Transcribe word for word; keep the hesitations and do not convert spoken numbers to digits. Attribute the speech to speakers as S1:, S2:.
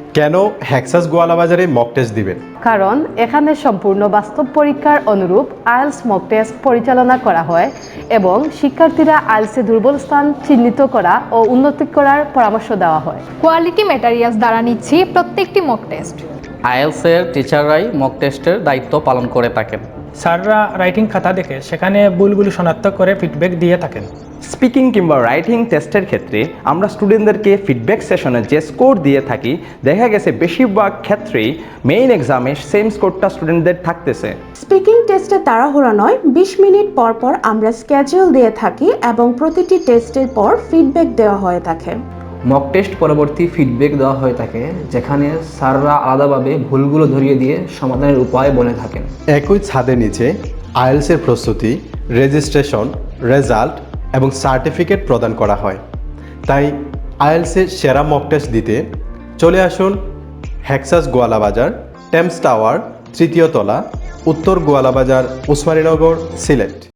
S1: কেন হেক্সাস গোয়ালাবাজারে mock test দিবেন?
S2: কারণ এখানে সম্পূর্ণ বাস্তব পরীক্ষার অনুরূপ আইএলস মক টেস্ট পরিচালনা করা হয় এবং শিক্ষার্থীরা আইএলসে দুর্বল স্থান চিহ্নিত করা ও উন্নতি করার পরামর্শ দেওয়া হয়।
S3: কোয়ালিটি ম্যাটেরিয়ালস দ্বারা নিচ্ছি প্রত্যেকটি মক টেস্ট।
S4: আইএলসের টিচাররাই মক টেস্টের দায়িত্ব পালন করে থাকেন।
S5: স্যাররা রাইটিং খাতা দেখে সেখানে ভুলগুলি শনাক্ত করে ফিডব্যাক দিয়ে থাকেন।
S6: স্পিকিং কিংবা রাইটিং টেস্টের ক্ষেত্রে আমরা স্টুডেন্টদেরকে ফিডব্যাক সেশনে যে স্কোর দিয়ে থাকি, দেখা গেছে বেশিরভাগ ক্ষেত্রেই মেইন এক্সামে সেম স্কোরটা স্টুডেন্টদের থাকতেছে।
S7: স্পিকিং টেস্টে তাড়াহুড়া নয়, বিশ মিনিট পর পর আমরা স্কেজুল দিয়ে থাকি এবং প্রতিটি টেস্টের পর ফিডব্যাক দেওয়া হয়ে থাকে।
S8: মক টেস্ট পরবর্তী ফিডব্যাক দেওয়া হয়ে থাকে, যেখানে স্যাররা আলাদাভাবে ভুলগুলো ধরিয়ে দিয়ে সমাধানের উপায় বলে থাকেন।
S1: একই ছাদের নিচে আইএলসের প্রস্তুতি, রেজিস্ট্রেশন, রেজাল্ট এবং সার্টিফিকেট প্রদান করা হয়। তাই আইএলসের সেরা মক টেস্ট দিতে চলে আসুন হেক্সাস গোয়ালাবাজার, টেমস টাওয়ার, তৃতীয় তলা, উত্তর গোয়ালাবাজার, উসমানীনগর, সিলেট।